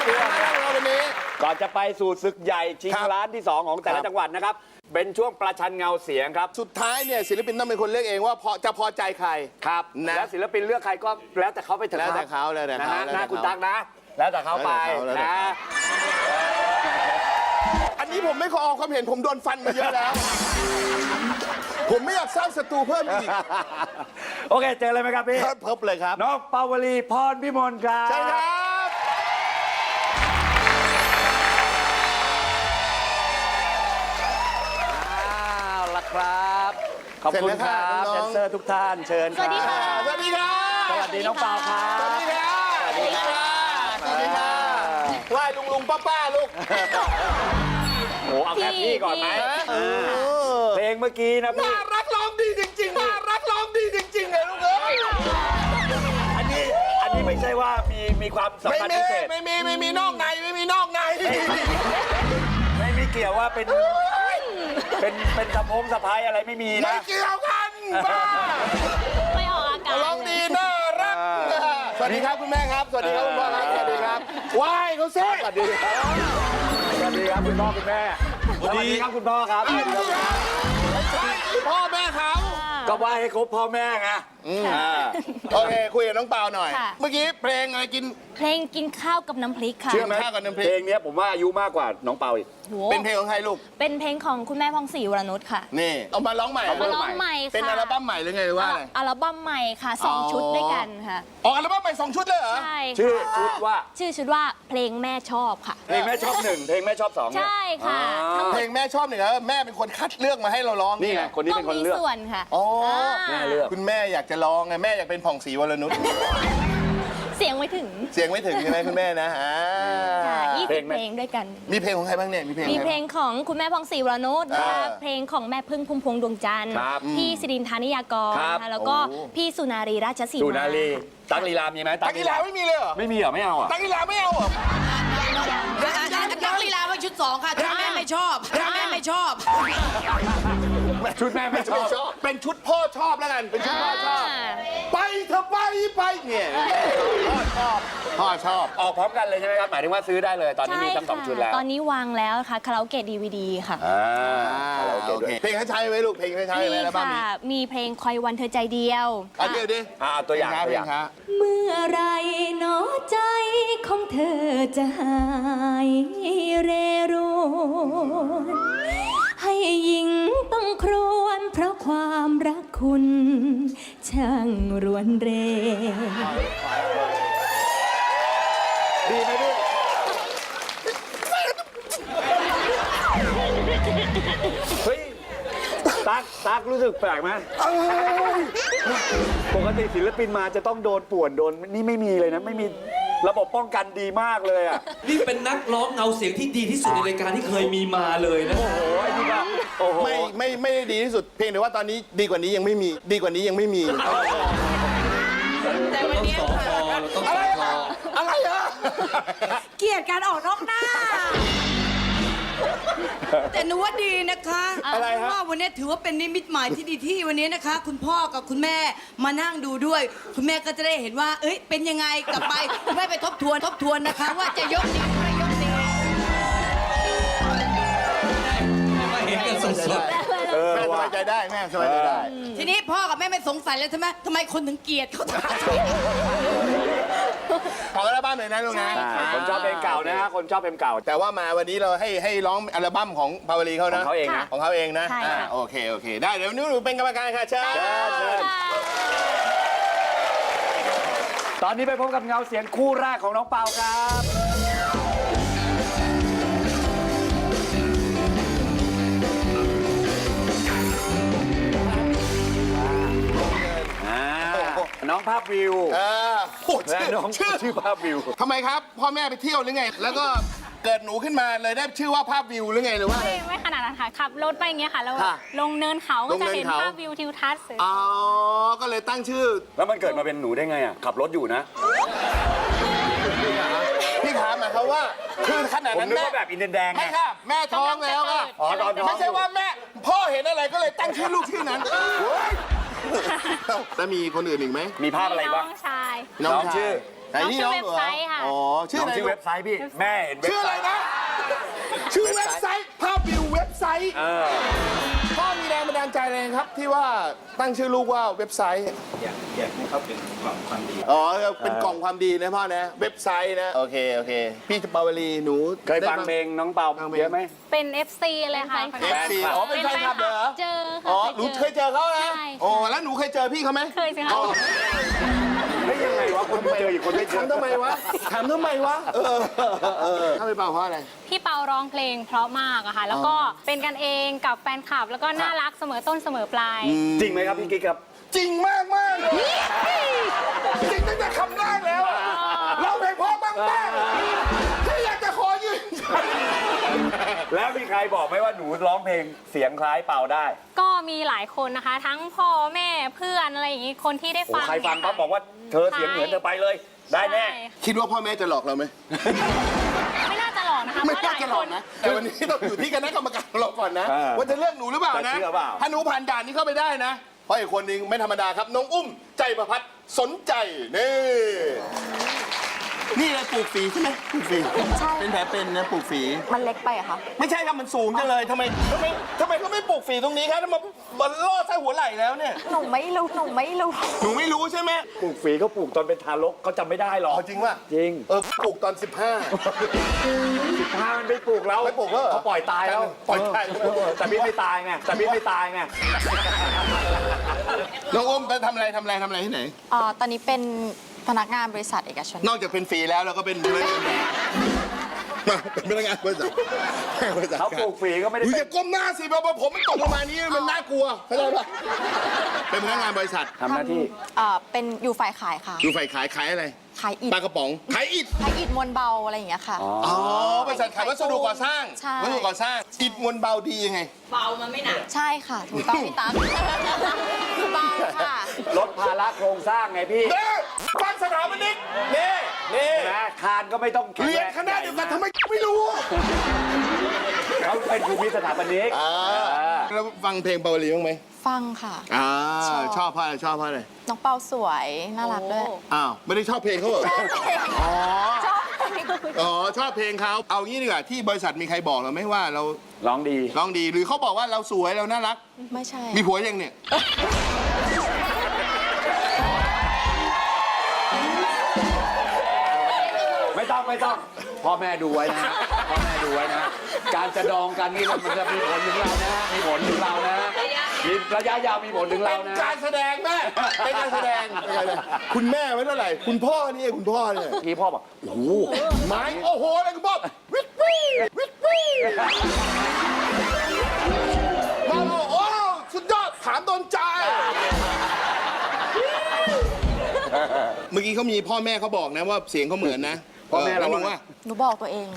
ช่วงเราวันนี้ก่อนจะไปสู่ศึกใหญ่ชิงล้านที่ 2 ของแต่ละจังหวัดนะครับเป็นช่วงประชันเงาเสียงครับสุดท้ายเนี่ยศิลปินต้องเป็นคนเลือกเองว่าจะพอใจใครครับนะแล้วศิลปินเลือกใครก็แล้วแต่เขาไปเถอะแล้วแต่ครับเขาแล้วแต่นะเขาฮะแล้วหน้าแต่คุณเขาตั๊กนะ แล้วแต่เขาไปแล้วแต่นะเขา อันนี้ผมไม่ขอออกความเห็นผมโดนฟันมาเยอะแล้ว ผมไม่อยากสร้างศัตรูเพิ่มอีกโอเคเจอเลยไหมครับพี่เพิ่มเลยครับน้องปาวลีพรพิมลครับใช่ครับเอาละครับขอบคุณครับแดนเซอร์ทุกท่านเชิญครับสวัสดีค่ะสวัสดีครับสวัสดีน้องเปาครับสวัสดีครับสวัสดีครับสวัสดีครับไหว้ลุงป้าลูกโอ้เอาแค่พี่ก่อนไหมเพลงเมื่อกี้นะพี่น่ารักร้องดีจริงๆน่ารักร้องดีจริงๆเลยลูกเอ้ยอันนี้ไม่ใช่ว่ามีความสัมพันธ์พิเศษไม่มีนอกในไม่มีนอกในไม่มีเกี่ยวว่าเป็นสะพงสะพายอะไรไม่มีไม่นะเกี่ยวกันบ้าไม่ออกอากาศร้องดีน่ารักสวัสดีครับคุณแม่ครับสวัสดีครับคุณพ่อครับสวัสดีครับไหว้เขาซิสวัสดีครับสวัสดีครับคุณพ่อคุณแม่สวัสดีครับคุณพ่อครับพ่อแม่เขาก็ไหว้ให้ครบพ่อแม่ไงโอเคคุยกับน้องเปาหน่อยค่ะเมื่อกี้เพลงอะไรกินเพลงกินข้าวกับน้ำพริกค่ะเชื่อไหมข้าวกับน้ำพริเพลกงนี้ผมว่าอายุมากกว่าน้องเปาอีกโหเป็นเพลงของใครลูกเป็นเพลงของคุณแม่พองศรีวรนุชค่ะนี่เอามาร้องใหม่มาร้องใหม่ค่ะเป็นอัลบั้มใหม่หรือไงหรือว่าอะไรอัลบั้มใหม่ค่ะอ๋อ 2 ชุดด้วยกันค่ะอ๋ออัลบั้มใหม่2 ชุดเลยเหรอใช่ชื่อค่ะชุดว่าชื่อชุดว่าเพลงแม่ชอบค่ะเพลงแม่ชอบ1เพลงแม่ชอบ2เนี่ยใช่ค่ะอ๋อทั้งหมเพดลงแม่ชอบเนี่ยแม่เป็นคนคัดเลือกมาให้เราร้องนี่ไงคนนี้ต้อเป็งนคนมีเลือกส่วนค่ะอ๋อแม่เลือกคุณแม่อยากจะร้องไงแม่อยากเป็นผ่องศรีวรนุชเสียงไม่ถึงเสียงไม่ถึงใช่ไหมคุณแม่นะค่ะ20 เพลงไหมเพลงด้วยกันมีเพลงของใครบ้างเนี่ยมีเพลงมีอะไรเพลงของคุณแม่พองศรีวรนุชนะคะอ่าเพลงของแม่พึ่งพุ่มพวงดวงจันทร์ครับพี่สิรินทานิยากรครับนะคะแล้วก็โอ้พี่สุนารีราชสีมาสุนารีตั๊กลีลามีไหมตักกีฬาไม่มีเลยเหรอไม่มีเหรอไม่เอาอ่ะตักกีฬาไม่เอาเหรอนักลีลาว่าชุด 2 ค่ะชุดแม่ไม่ชอบชุดแม่ไม่ชอบชุดแม่ไม่ชอบเป็นชุดพ่อชอบแล้วกันเป็นชุดพ่อชอบ ไปเธอไปเนี่ยพ่อชอบออกพร้อมกันเลยใช่ไหมครับหมายถึงว่าซื้อได้เลยตอนนี้ใช่มีทั้งสองค่ะชุดแล้วตอนนี้วางแล้วค่ะคาราโอเกะ DVD ค่ะโอเคเพลงให้ใช้ไหมลูกเพลงให้ใช้ไหมมีแล้วบ้างค่ะ มีเพลงคอยวันเธอใจเดียวเดี๋ยวดิตัวอย่างเพลงครับเมื่อไรหนอใจของเธอจะหายเรรวนให้หญิงต้องครวญเพราะความรักคุณช่างรวนเรดีไหมพี่เฮ้ยตั๊กรู้สึกแปลกไหมปกติศิลปินมาจะต้องโดนป่วนโดนนี่ไม่มีเลยนะไม่มีระบบป้องกันดีมากเลยอ่ะนี่เป็นนักร้องเงาเสียงที่ดีที่สุดในรายการที่เคยมีมาเลยนะโอ้โหไอ้นี่ก็โอ้โหไม่ได้ดีที่สุดเพียงแต่ว่าตอนนี้ดีกว่านี้ยังไม่มีดีกว่านี้ยังไม่มีแต่วันนี้ต้องสอคอเราต้องสอคออะไรอะเกลียดการออกนอกหน้า แต่หนูว่าดีนะคะอะไรฮะว่าวันนี้ถือว่าเป็นนิมิตหมายที่ดีที่วันนี้นะคะ คุณพ่อกับคุณแม่มานั่งดูด้วย คุณแม่ก็จะได้เห็นว่า เอ้ยเป็นยังไงกลับไปคุณแม่ไปทบทวนนะคะ ว่าจะยกดีหรือไม่ยกดีมาเห็นกันสดแม่สบายใจได้แม่สบายใจได้ทีนี้พ่อกับแม่ไม่สงสัยแล้วใช่ไหมทำไมคนถึงเกลียดเขาจังขออัลบั้มหน่อยนะลูกนะคนชอบเพลงเก่านะฮะคนชอบเพลงเก่าแต่ว่ามาวันนี้เราให้ร้องอัลบั้มของพาวลีเขานะของเขาเองนะของเขาเองนะใช่ค่ะโอเคได้เดี๋ยวหนูเป็นกรรมการค่ะเชิญตอนนี้ไปพบกับเงาเสียงคู่แรกของน้องเปาครับน้องภาพวิวโอ้และน้องชื่อภาพวิวทำไมครับพ่อแม่ไปเที่ยวหรือไง แล้วก็เกิดหนูขึ้นมาเลยได้ชื่อว่าภาพวิวหรือไงหรือว่าอะไรไม่ขนาดนั้นค่ะขับรถไปอย่างเงี้ยค่ะแล้วค่ะลงเนินเขาก็จะเห็นลงเนินเขาภาพวิวทิวทัศน์สวยอ๋อก็เลยตั้งชื่อแล้วมันเกิดมาเป็นหนูได้ไงอ่ะขับรถอยู่นะพี่ถามหมายความว่าคือขนาดผมนั้นนึกแม่ว่าแบบอินเดียนแดงไงไม่ค่ะแม่ท้องแล้วค่ะอ๋อตอนท้องไม่ใช่ว่าแม่พ่อเห็นอะไรก็เลยตั้งชื่อลูกชื่อนั้นแล้วมีคนอื่นอีกไหมมีภาพอะไรน้บ้าอง งชายน้องชื่อไหนนี่น้องเหรอเว็บไซต์ค่ะอ๋อชื่ออะไรชื่อลูเว็กบไซต์พี่ แม่เห็นเว็บชื่ออะไรไซต์นะ ชื่อเว็บไซต์ภาพวิวเว็บไซต์ พ่อมีแรงบันดาลใจอะไรครับ ที่ว่าตั้งชื่อลูกว่าเว็บไซต์อยากให้เขาเป็นความดีอ๋อเป็นกล่องความดีนะพ่อนะเว็บไซต์นะโอเคพี่ปาวลีหนูเคยฟังเพลงน้องเปาเยอะไหมเป็น FC เลยค่ะ FC อ๋อเป็นแฟนคลับเหรอเจอค่ะอ๋อหนูเคยเจอเขานะใช่อ๋อแล้วหนูเคยเจอพี่เขาไหมเคยสิคะอ๋อไม่ยังไงวะคนไม่เจออีกคนไม่เจอถามทำไมวะถ้าไม่เปล่าเพราะอะไรพี่เปาร้องเพลงเพราะมากอะค่ะ แล้วก็เป็นกันเองกับแฟนคลับ แล้วก็น่ารักเสมอต้นเสมอปลายจริงไหมครับพี่กิ๊กครับจริงมากเลยจริงตั้งแต่คำแรกแล้วอะเราเพลงเพราะมากที่อยากจะขอยืนยันแล้วมีใครบอกไหมว่าหนูร้องเพลงเสียงคล้ายเปาได้ก็มีหลายคนนะคะ ทั้งพ่อแม่เพื่อนอะไรอย่างงี้คนที่ได้โอ้ฟังใครฟังปั๊บบอกว่าเธอเสียงเหมือนเธอไปเลย ได้แน่ใช่คิดว่าพ่อแม่จะหลอกเราไหมไม่น่าจะหลอกนะคะไม่เพราะหน่าลายจะหลคอกนนะแต่วันนี้ต้องอยู่ที่คณะกรรมการของเราก่อนนะ ว่าจะเลือกหนูหรือเปล่านะจะเชื่อเปล่าถ้าหนูผ่านด่านนี้เข้าไปได้นะ เพราะอีกคนนึงไม่ธรรมดาครับ น้องอุ้มใจประพัดสนใจนี่เลยปลูกฝีใช่ไหมปลูกฝีเป็นแผลเป็นนะปลูกฝีมันเล็กไปอะคะไม่ใช่ครับมันสูงจังเลยทำไมเขาไม่ปลูกฝีตรงนี้ครับมันล่อใส่หัวไหล่แล้วเนี่ยหนูไม่รู้หนูไม่รู้ใช่ไหมปลูกฝีเขาปลูกตอนเป็นทารกเขาจำไม่ได้หรอกเอาจริงป่ะจริงปลูกตอนถ้ามันไม่ปลูกแล้วไม่ปลูกแล้วเหรอเขาปล่อยตายแล้วปล่อยตายแต่พี่ไม่ตายไง 15น้องอุ้มไปทำอะไรที่ไหนตอนนี้เป็นพนักงานบริษัทเอกชนนอกจากเป็นฟรีแล้วเราก็เป็นพนักงานเป็นพนักงานบริษัทเขาปลูกฝีก็ไม่ได้อุ๊ยเป็อน ย่าก้มหน้าสิเพราะว่าผมมันตกลงมานี้มันน่ากลัวเข้าใจปะเป็นพนักงานบริษัททำหน้าที่เป็นอยู่ฝ่ายขายค่ะอยู่ฝ่ายขายอะไรขายอิฐปลากระป๋องขายอิฐขายอิฐมวลเบาอะไรอย่างเงี้ยค่ะอ๋อบริษัทขายวัสดุก่อสร้างใช่วัสดุก่อสร้างอิฐมวลเบาดียังไงเบามันไม่หนักใช่ค่ะ ถูกต้องพี่ตั๊กเบาค่ะลดภาระโครงสร้างไงพี่เด้อฟังสถาปนิกนี่นะคานก็ไม่ต้องแข็งเรียนแรงคณะเดียวกันทำไมไม่รู้เขาเป็นภูมิสถาปนิกแล้วฟังเพลงเปาวลีบ้างไหมฟังค่ะชอบเพราะอะไรน้องเปาสวยน่ารักด้วยอ้าวไม่ได้ชอบเพลงเขาเหรอ อ๋อชอบอ๋อชอบเพลงเขาเอางี้ดีกว่าที่บริษัทมีใครบอกเราไหมว่าเราร้องดีร้องดีหรือเขาบอกว่าเราสวยเราน่ารักไม่ใช่มีผัวยังเนี่ยไม่ต้องพ่อแม่ดูไว้นะพ่อแม่ดูไว้นะการจะดองกันนี่มันจะมีผลถึงเรานะมีผลถึงเรานะมีระยะยาวมีผลถึงเราเป็นนะการแสดงแม่เป็นการแสดงคุณแม่ไม่เท่าไหร่คุณพ่อเนี่ยเมื่อกี้พ่อบอกโอ้โหไม้โอ้โหอะไรคุณพ่อวิทวี่มาโอ้สุดยอดถามโดนใจ เมื่อกี้เขามีพ่อแม่เขาบอกนะว่าเสียงเขาเหมือนนะพ่อแม่เราแล้วหนูว่าว่าหนูบอกตัวเอง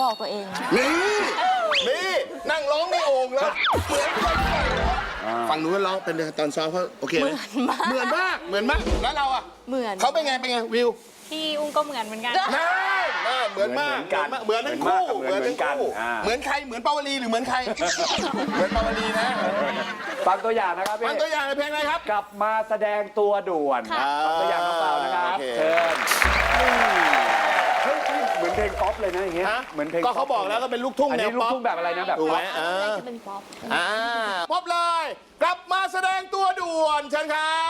นี่นั่งร้องในโอ่งแล้วเหมือนคนฟังหนูว่าร้องเป็นตอนซ้อมเขาโอเคไหมเหมือนมากแล้วเราอ่ะเหมือนเขาเป็นไงวิวพี่อุ้มก็เหมือนเหมือนกันน่าเหมือนมากเหมือนทั้งคู่เหมือนใครเหมือนปาวลีหรือเหมือนใครเหมือนปาวลีนะฟังตัวอย่างนะครับพี่ฟังตัวอย่างในเพลงอะไรครับกลับมาแสดงตัวด่วนค่ะฟังตัวอย่างน้องเปล่านะครับโอเคเชิญเฮ้ยเหมือนเพลงป๊อปเลยนะอย่างเงี้ยฮะเหมือนเพลงก็เขาบอกแล้วก็เป็นลูกทุ่งอันแนนี้วลูกป๊อปทุ่งแบบอะไรนะแบบถูกป๊ไหอมปจะเป็นป๊อปป๊อปเลย กลับมาแสดงตัวด่วนเชิญครับ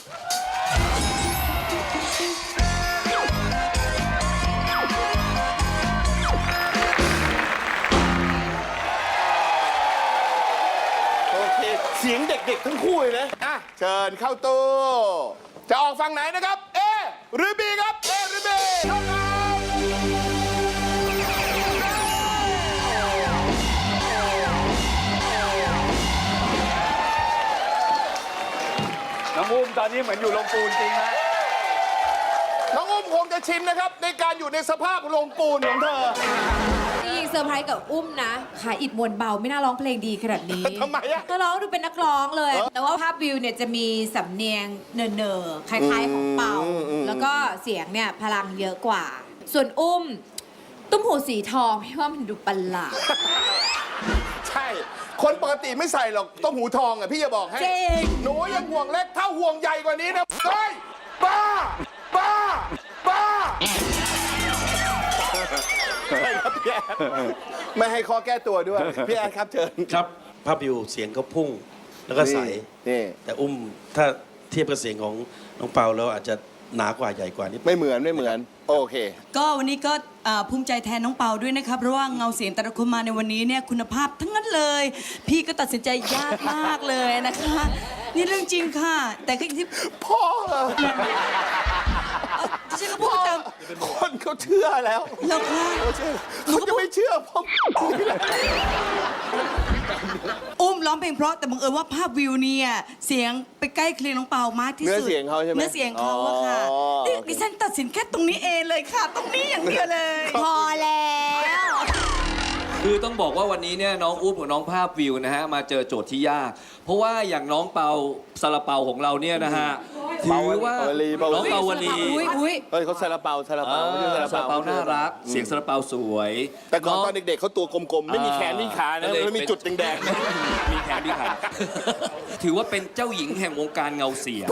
โอเค เสียงเด็กๆทั้งคู่เลยนะ เชิญเข้าตู้ จะออกฝั่งไหนนะครับ A หรือ B ครับ A หรือ B เข้าครับน้องอุ้มตอนนี้เหมือนอยู่ลงปูนจริงนะน้องอุ้มคงจะชินนะครับ ในการอยู่ในสภาพโรงปูนของเธอจริงๆเซอร์ไพรส์กับอุ้มนะขายอิดมวลเบาไม่น่าร้องเพลงดีขนาดนี้ทำไมอะก็ร้องดูเป็นนักร้องเลย แต่ว่าภาพวิวเนี่ยจะมีสำเนียงเนอๆคล้ายๆของเป่า แล้วก็เสียงเนี่ยพลังเยอะกว่า ส่วนอุ้ม ตุ้มหูสีทองพี่ว่ามันดูประหลาดใช่ คนปกติไม่ใส่หรอกต้มหูทองอ่ะพี่จะบอกให้จริงหนูยังห่วงเล็กถ้าห่วงใหญ่กว่านี้นะเฮ้ยบ้าครับพี่แอดไม่ให้ข้อแก้ตัวด้วยพี่แอดครับเชิญครับภาพวิวเสียงเขาพุ่งแล้วก็ใสนี่แต่อุ้มถ้าเทียบกับเสียงของน้องเปาแล้วอาจจะหนากว่าใหญ่กว่านิดไม่เหมือนโอเคก็วันนี้ก็ภูมิใจแทนน้องเปาด้วยนะครับเพราะว่าเงาเสียงแต่ละคนมาในวันนี้เนี่ยคุณภาพทั้งนั้นเลย พี่ก็ตัดสินใจยากมากเลยนะคะ นี่เรื่องจริงค่ะ แต่ก็อย่างที่พ่อเหรอฉันก็พูดตามคนเขาเชื่อแล้วแล้วค่ะเขาจะไม่เชื่อพ่ออุ้มร้องเพลงเพราะแต่บังเอิญว่าภาพวิวเนี่ยเสียงไปใกล้เคียงน้องเปามากที่สุดเนื้อเสียงเขาใช่ไหมเนื้อเสียงเขาอะค่ะอ๋อนี่ดิฉันตัดสินแค่ตรงนี้เองเลยค่ะ ตรงนี้อย่างเดียวเลยพอแล้วคือต้องบอกว่าวันนี้เนี่ยน้องอุ้มกับน้องภาพวิวนะฮะมาเจอโจทย์ที่ยาก เพราะว่าอย่างน้องเปาซาลาเปาของเราเนี่ยนะฮะถือว่าน้องเปาวลีอุ้ยเฮ้ยเขาซาลาเปาไม่ใช่ซาลาเปาน่ารัก เสียงซาลาเปาสวยแต่ก่อนตอนเด็กๆเขาตัวกลมๆ ไม่มีแขนไม่มีขานะก็เลยแล้วมีจุดแดงๆนะมีแขนมีขา ถือว่าเป็นเจ้าหญิงแห่งวงการเงาเสียง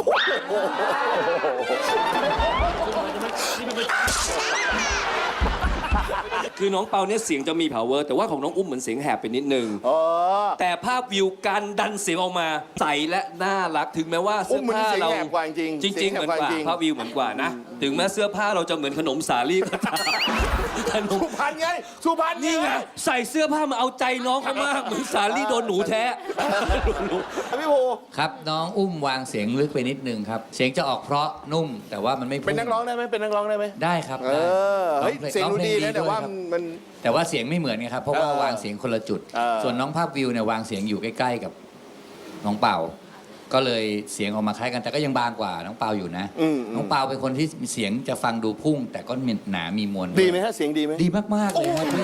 คือน้องเปาเนี่ยเสียงจะมี power แต่ว่าของน้องอุ้มเหมือนเสียงแหบไปนิดนึงอ๋อแต่ภาพวิวการดันเสียงออกมาใสและน่ารักถึงแม้ว่าเสื้อผ้าเราอุ้มมันเสียงแหบกว่าจริงจริงๆเหมือนกว่าภาพวิวเหมือนกว่านะ ถึงแม้เสื้อผ้าเราจะเหมือนขนมสาลี่ก็ตามขนมสุพรรณไงสุพรรณนี่ไงใส่เสื้อผ้ามาเอาใจน้องเขามากเหมือนสาลี่โดนหนูแท้พี่โพครับน้องอุ้มวางเสียงลึกไปนิดนึงครับ เสียงจะออกเพราะนุ่ม แต่ว่ามันไม่พุ่เป็นนักร้องได้ไหมเป็นนักร้องได้ไหมได้ครับเออเฮ้ยได้เสียงดูดีร้อนะพแต่งว่าครับมันแต่ว่าเสียงไม่เหมือนไงครับเพราะว่าเออวางเสียงคนละจุดเออส่วนน้องภาพวิวเนี่ยวางเสียงอยู่ใกล้ๆกับน้องเปาก็เลยเสียงออกมาคล้ายกันแต่ก็ยังบางกว่าน้องเปาอยู่นะ น้องเปาเป็นคนที่เสียงจะฟังดูพุ่ง แต่ก็มีหนามีมวลดีไหมฮะเสียงดีไหมดีมากๆเลยครับพี่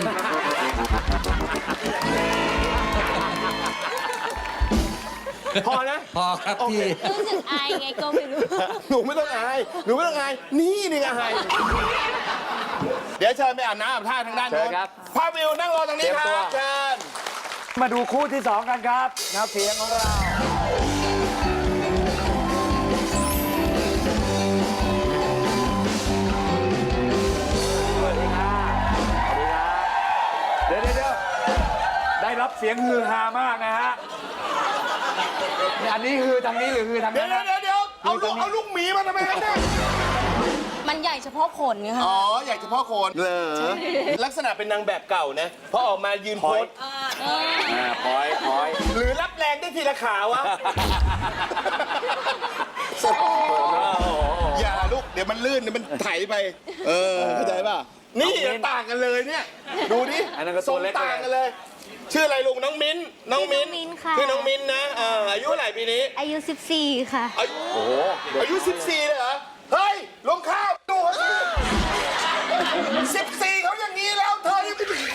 พอนะพอครับพี่รู้สึกอายไงก็ไม่รู้หนูไม่ต้องอายหนูไม่ต้องอายนี่ไงอายเดี๋ยวเชิญไปอาบน้ำอาบท่าทางด้านโน้นภาพวิวนั่งรอตรงนี้ครับเชิญมาดูคู่ที่ 2 กันครับแนวเสียงของเราสวัสดีครับเดี๋ยวได้รับเสียงฮือฮามากนะฮะอันนี้คือทางนี้หรือคือทางเดี๋ยนั้วน เดี๋ยวเอาลูกหมีมาทำไมครับเนี่ยมันใหญ่เฉพาะขนไงคะอ๋ออยากเฉพาะโคนเหรอลักษณะเป็นนางแบบเก่านะพอออกมายืนโพสพอยหรือรับแรงได้ทีละขาวะอย่าลูกเดี๋ยวมันลื่นเดี๋ยวมันไถไปเข้าใจป่ะนี่ต่างกันเลยเนี่ยดูดิอันนั้นก็ทตัรวงเล็กต่างกันเลย ชื่ออะไรลุงน้องมิ้นน้องมิ้นชื่อน้องมิ้นค่ะชื่อน้องมิ้นนะอายุเท่าไหร่ปีนี้อายุ 14 ค่ะอายุ14เลยเหรอ เฮ้ย ลงข้าวดูเขา14เขาอย่างนี้แล้วเธอยังไม่ถึง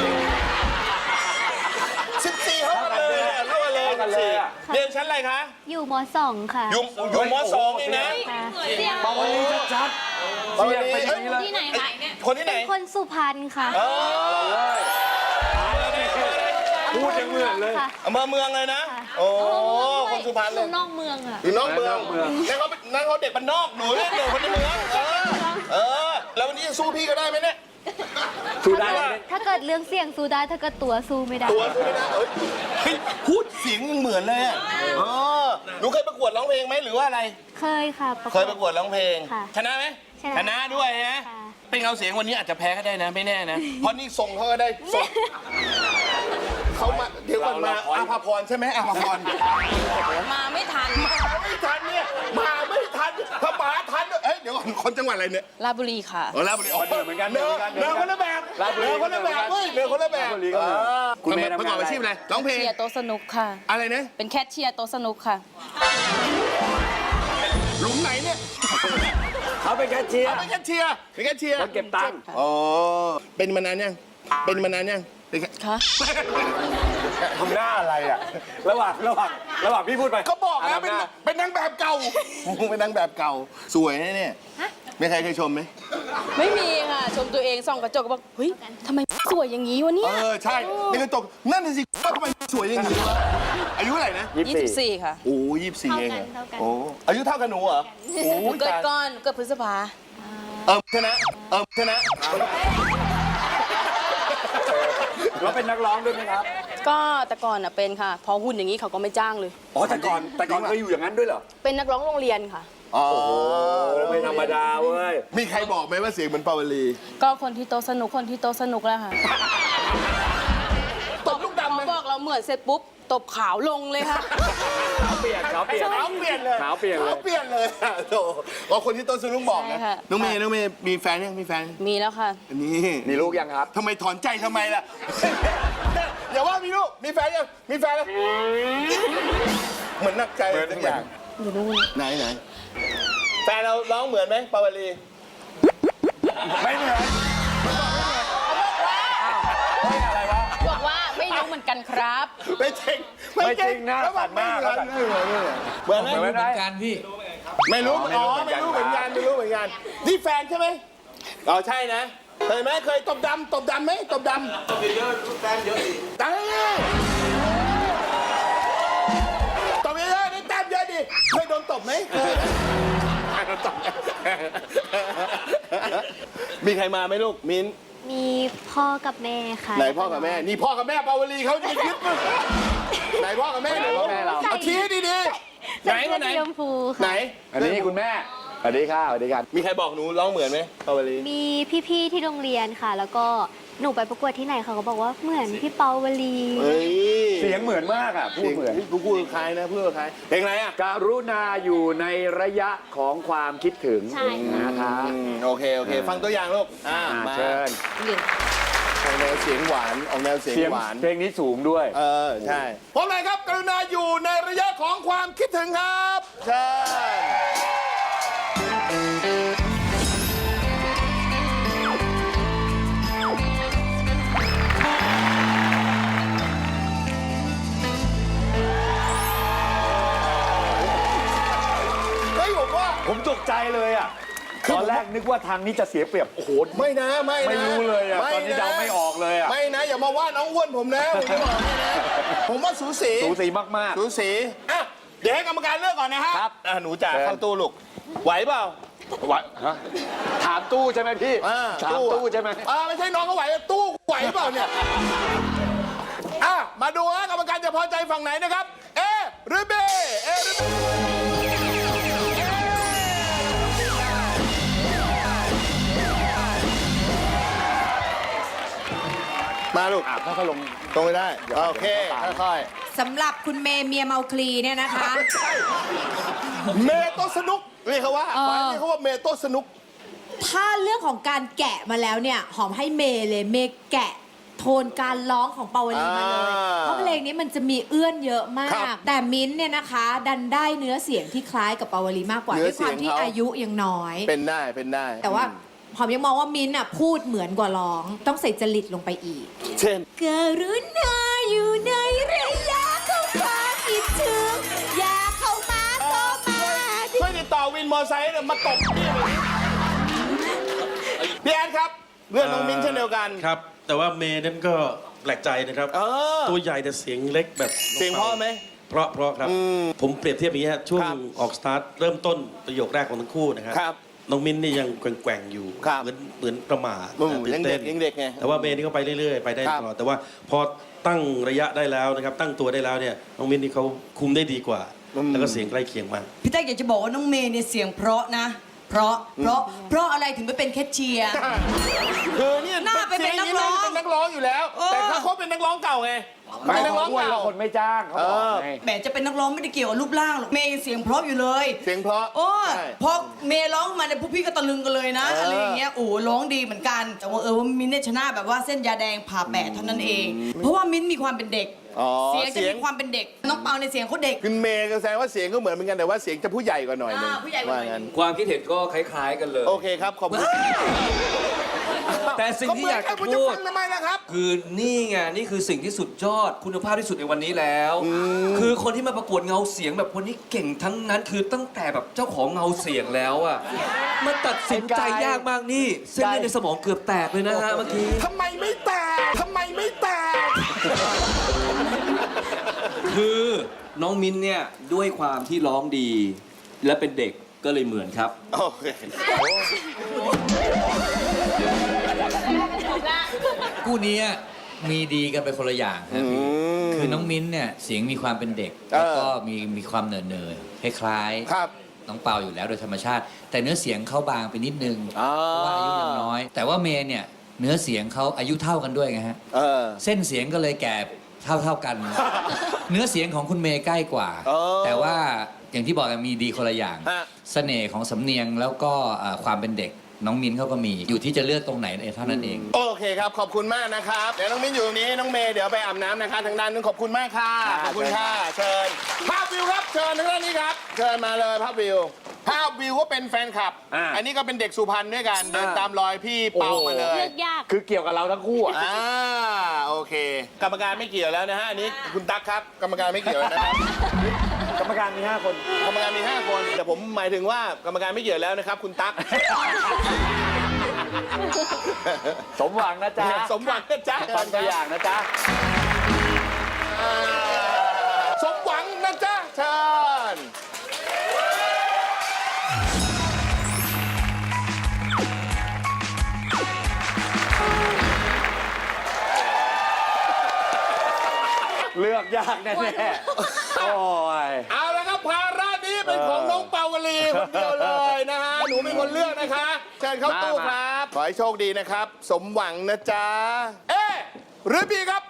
14เท่ากันเลยเท่ากันเลย14เรียนชั้นอะไรคะอยู่ม .2 ค่ะอยู่ม2เองนะค่ะเสียงปาวลีชัดเสียงเป็นอย่างนี้ที่ไหนคะคนที่ไหนคนสุพรรณค่ะพูดยังเหมือนเลยค่ะอำเภอเมืองเลยนะ โอ้คนสุพรรณอเลยยู่นอกเมืองอ่ะอยู่นอกเมืองนั่นเขาเด็กบ้านนอกหนูเนี่ยเด็กคนในเมืองแล้ววันนี้จะสู้พี่ก็ได้ไหมเนี่ยสู้ได้ถ้าเกิดเรื่องเสียงสู้ได้ ถ้าเกิดตัวสู้ไม่ได้ตัวสู้ไม่ได้เฮ้ยพูดเสียงยังเหมือนเลยอ่ะหนูเคยประกวดร้องเพลงไหมหรือว่าอะไรเคยค่ะเคยประกวดร้องเพลงค่ะชนะไหมชนะด้วยนะค่ะเป็นเงาเสียงวันนี้อาจจะแพ้ก็ได้นะไม่แน่นะ เพราะนี่ทรงเขาก็ได้ทรงเขามาเดี๋ยวก่อนมาอาภาพรใช่ไหมอาภาพรมาไม่ทันมาไม่ทันเนี่ยมาไม่ทันถ้ามาทันเอ้ยเดี๋ยวก่อนคนจังหวัดอะไรเนี่ยราชบุรีค่ะลาบุรีเหมือนกันเนื้อคนละแบบเนื้อคนละแบบเว้ยเนื้อคนละแบบคุณเมย์ประกอบอาชีพอะไรร้องเพลงเชียร์โต๊ะสนุกค่ะอะไรนะเป็นแคชเชียร์โต๊ะสนุกค่ะหลุมไหนเนี่ยเขาเป็นแคชเชียร์เป็นแคชเชียร์เป็นแคชเชียร์เก็บตังค์อ๋อเป็นมานานยังเป็นมานานยังค่ะทำหน้าอะไรอ่ะระหว่างพี่พูดไปก็บอกแล้วเป็นนางแบบเก่าเป็นนางแบบเก่าสวยนะเนี่ยไม่ใครเคยชมไหมไม่มีค่ะ ชมตัวเองส่องกระจกก็บอก เฮ้ยทำไมสวยอย่างนี้วะเนี่ยใช่นี่กระจกนั่นน่ะสิว่าทำไมสวยอย่างนี้วะอายุเท่าไหร่นะ 24 ค่ะโอ้24เองเท่ากันโอ้อายุเท่ากันหนูเหรอโอ้เกิดก่อนเกิดพฤษภาชนะชนะเป็นนักร้องด้วยไหมครับก็แต่ก่อนน่ะเป็นค่ะ พอหุ่นอย่างนี้เขาก็ไม่จ้างเลยอ๋อแต่ก่อนเคยอยู่อย่างนั้นด้วยเหรอเป็นนักร้องโรงเรียนค่ะอ๋อไม่ธรรมดาเว้ยมีใครบอกไหมว่าเสียงเหมือนปาวลีก็คนที่โตะสนุกคนที่โตะสนุกแล้วค่ะตบลูกดำไหมเขาบอกเราเหมือนเสร็จปุ๊บตบขาวลงเลยค่ะขาวเปลี่ยนขาวเปลี่ยนเลยขาวเปลี่ยนเลยขาวเปลี่ยนเลยอะโถว่าคนที่ต้นสนุกบอกนะใช่ค่ะน้องเมย์มีแฟนยังมีแฟนมีแล้วค่ะอันนี้มีลูกยังครับทำไมถอนใจทำไมล่ะ อย่าว่ามีลูกมีแฟนยังมีแฟนแล้วเหมือนนักใจสักอย่างอยู่นู่นไหนแฟนเราร้องเหมือนไหมปาวลีไม่เหมือนบอกว่าไม่รู้เหมือนกันครับไม่จริงไม่จริงนะสั่นมากเหมือนไหมเหมือนไหมการพี่ไม่รู้อ๋อไม่ไม่รู้รู้เหเหมืมืออน นกันไม่รู้เหมือนกันนี่แฟนใช่ไหมอ๋อใช่นะเคยไหมเคยตบดำไหมตบดำตบเยอะๆแฟนเยอะดิตบเยอะๆนี่แต้มเยอะดิเคยโดนตบไหมเคยโดนตบมีใครมาไหมลูกมิ้นมีพ่อกับแม่ค่ะไหนพ่อกับแม่นี่พ่อกับแม่ปาวลีเขาจะคิดมั้ยไหนพ่อกับแม่หนูพ่อกับแม่เราเอาชี้ดีๆไหนคนไหนเสื้อสีชมพูไหนค่ะอันนี้คุณแม่สวัสดีค่ะสวัสดีครับมีใครบอกหนูร้องเหมือนไหมปาวลีมีพี่ๆที่โรงเรียนค่ะ แล้วก็หนูไปประกวดที่ไหนเขาก็บอกว่าเหมือนพี่เปาวลีเฮ้ยเสียงเหมือนมากอ่ะพูดเหมือนพูดคล้ายนะพูดคล้ายเพลงอะไรอ่ะการุณาอยู่ในระยะของความคิดถึงใช่นะคะโอเคฟังตัวอย่างลูกมาเชิญออกแนวเสียงหวานออกแนวเสียงเสียงหวานเพลงนี้สูงด้วยใช่พร้อมเลยครับกรุณาอยู่ในระยะของความคิดถึงครับเชิญเฮ้ยผมว่าผมตกใจเลยอ่ะ ตอนแรกนึกว่าทางนี้จะเสียเปรียบ โอ้โหไม่นะไม่ไม่รู้เลยอ่ะ ตอนนี้เดาไม่ออกเลยอ่ะไม่นะอย่ามาว่าน้องอ้วนผมนะผมจะบอกให้นะผมว่าสูสีสูสีมากสูสีอ่ะเดี๋ยวให้กรรมการเลือกก่อนนะฮะครับหนูจ๋าเชิญเข้าตู้ลูกไหวเปล่าๆวะฮะถามตู้ใช่ไหมพี่ ถามตู้ใช่ไหมไม่ใช่น้องเขาไหวตู้ไหวเปล่าเนี่ยมาดูฮะกรรมการจะพอใจฝั่งไหนนะครับเอหรือบีเอหรือบีมาลูกค่อยๆลงตรงไปได้โอเคค่อยสำหรับคุณเมย์เมียเมาคลีเนี่ยนะคะๆเมโตสนุกเรียกเขาว่าเรียกเขาว่าเมโตสนุกถ้าเรื่องของการแกะมาแล้วเนี่ย หอมให้เมย์เลยเมย์แกะโทนการร้องของปาวลีมาเลย เพราะเพลงนี้มันจะมีเอื้อนเยอะมาครักบแต่มิ้นท์เนี่ยนะคะ ดันได้เนื้อเสียงที่คล้ายกับปาวลีมากกว่าเนื้ด้อวยความที่เสียงเขาอายุยังน้อยเป็นได้แต่ว่าหอมยังมองว่ามิ้นท์อ่ะพูดเหมือนกว่าร้อง ต้องใส่จริตลงไปอีกเช่นกรุณาอยู่ในระยะของความคิดถึงอย่าเข้ามาก็มาดิช่วยติดต่อวินมอไซค์เนี่ยมาตบพี่แอนครับเพื่อนน้องมิ้นเช่นเดียวกันครับ แต่ว่าเมย์นั้นก็แปลกใจนะครับ ตัวใหญ่แต่เสียงเล็กแบบเสียงเพราะไหมเพราะครับ ผมเปรียบเทียบอย่างนี้ฮะช่วงครับออกสตาร์ทเริ่มต้นประโยคแรกของทั้งคู่นะครับครับน้องมิ้นนี่ยังแกว่งๆอยู่ครับเหมือนประหม่ายังเด็กไงแต่ว่าเมย์นี่เขาไปเรื่อยๆไปได้ครับตลอดแต่ว่าพอตั้งระยะได้แล้วนะครับตั้งตัวได้แล้วเนี่ยน้องมิ้นนี่เขาคุมได้ดีกว่า แล้วก็เสียงใกล้เคียงมากพี่แต๊กอยากจะบอกว่าน้องเมย์เนี่ยเสียงเพราะนะ เพราะอะไรถึงไปเป็นแคชเชียร์คือเนี่ยหน้าไปเป็นนักร้องเป็นนักร้องอยู่แล้ว แต่เขาเป็นนักร้องเก่าไงเป็นนักร้องอ้วนเก่าแล้วคนไม่จ้างเขาบอกไงแหมจะเป็นนักร้องไม่ได้เกี่ยวกับรูปร่างหรอกเมย์ยังเสียงเพราะอยู่เลยเสียงเพราะโอ้ใช่พอเมย์ร้องมาเนี่ยพวกพี่ก็ตะลึงกันเลยนะอะไรอย่างเงี้ยโอ้ร้องดีเหมือนกัน แต่ว่าว่ามิ้นท์เนี่ยชนะแบบว่าเส้นยาแดงผ่าแปดเท่านั้นเอง เพราะว่ามิ้นท์มีความเป็นเด็ก เสียงจะมีความเป็นเด็ก น้องเปาในเสียงเขาเด็กคือเมย์ก็แสดงว่าเสียงก็เหมือนกันแต่ว่าเสียงจะผู้ใหญ่กว่าหน่อยนึงผู้ใหญ่กว่าหน่อยงั้นความคิดเห็นก็คล้าย ๆ กันเลยโอเคครับขอบคุณแต่สิ่งที่อยากจะคุณพูจะดฟังทำไมล่ะครับคือนี่ไงนี่คือสิ่งที่สุดยอดคุณภาพที่สุดในวันนี้แล้ว คือคนที่มาประกวดเงาเสียงแบบคนนี้เก่งทั้งนั้นคือตั้งแต่แบบเจ้าของเงาเสียงแล้วอะมันตัดสินใจยากมากนี่เส้นเลือดในสมองเกือบแตกเลยนะฮะเมื่อกี้ทำไมไม่แตกคือน้องมิ้นเนี่ยด้วยความที่ร้องดี และเป็นเด็กก็เลยเหมือนครับโอเคคู่นี้มีดีกันไปคนละอย่างครับพี่คือน้องมิ้นท์เนี่ยเสียงมีความเป็นเด็ก แล้วก็มีความเหน่อๆคล้ายๆครับน้องเปาอยู่แล้วโดยธรรมชาติ แต่เนื้อเสียงเขาบางไปนิดนึงเพราะว่าอายุยังน้อย แต่ว่าเมย์เนี่ยเนื้อเสียงเขาอายุเท่ากันด้วยไงฮะเส้นเสียงก็เลยแก่เท่ากัน เนื้อเสียงของคุณเมย์ใกล้กว่า แต่ว่าอย่างที่บอกกันมีดีคนละอย่างเสน่ห์ของสำเนียงแล้วก็ความเป็นเด็กน้องมิ้นเขาก็มีอยู่ที่จะเลือกตรงไหนเท่านั้นเองโอเคครับขอบคุณมากนะครับเดี๋ยวน้องมิ้นอยู่ตรงนี้น้องเมย์เดี๋ยวไปอาบน้ำนะคะทางด้านนึงขอบคุณมากค่ะขอบคุณค่ะเชิญภาพวิวครับเชิญทางด้านนี้ครับเชิญมาเลยภาพวิวก็เป็นแฟนคลับอันนี้ก็เป็นเด็กสุพรรณด้วยกันเดินตามรอยพี่เปามาเลยเลือกยากคือเกี่ยวกับเราทั้งคู่อ่ะโอเค กรรมการไม่เกี่ยวแล้วนะฮะอันนี้คุณตั๊กครับกรรมการไม่เกี่ยวนะครับกรรมการมี 5 คนกรรมการมี 5 คนแต่ผมหมายถึงว่ากรรมการไม่เกี่ยวแล้วนะครับคุณตั๊กสมหวังนะจ๊ะสมหวังนะจ๊ะฟังตัวอย่างนะจ๊ะสมหวังนะจ๊ะเชิญเลือกยากแน่ๆโอ้ยเอาละครับภาระนี้เป็นของน้องเปาวลีคนเดียวเลยนะฮะหนูเป็นคนเลือกนะคะเชิญเข้าตู้ครับขอให้โชคดีนะครับ สมหวังนะจ๊ะเอหรือบีครับ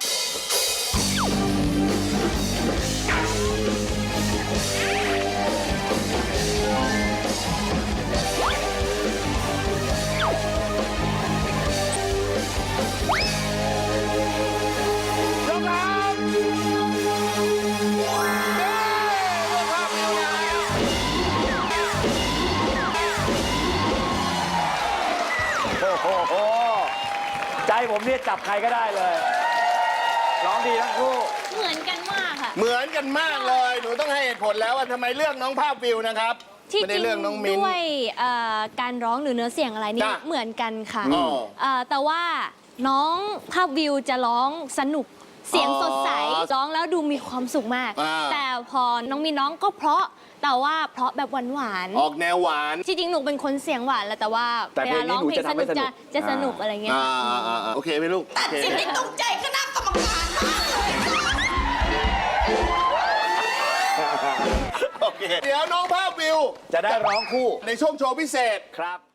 โอ้โห ใจผมเนี่ยจับใครก็ได้เลย ร้องดีทั้งคู่เหมือนกันมากค่ะเหมือนกันมากเลย หนูต้องให้เหตุผลแล้วว่าทำไมเลือกน้องภาพวิวนะครับที่ไม่จได้ริงเลือกน้องมิ้นด้วยการร้องหรือเนื้อเสียงอะไรนี่จ้ะเหมือนกันค่ะอ๋อแต่ว่าน้องภาพวิวจะร้องสนุกเสียงสดใสร้องแล้วดูมีความสุขมาก แต่พอน้องมีน้องก็เพราะแต่ว่าเพราะแบบหวานออกแนวหวานที่จริงหนูเป็นคนเสียงหวานแหละแต่ว่าแต่เวเพลลางนี้ร้องหนูเพลงจะสทำให้นุกสนุกจะสนุกอะไรเงี้ยโอเคไหมลูกโอเคสิ่งที่ตรงใจคณะกรรมการมากเลยโอเค เดี๋ยวน้องภาพวิวจะได้ร้องคู่ในช่วงโชว์พิเศษครับ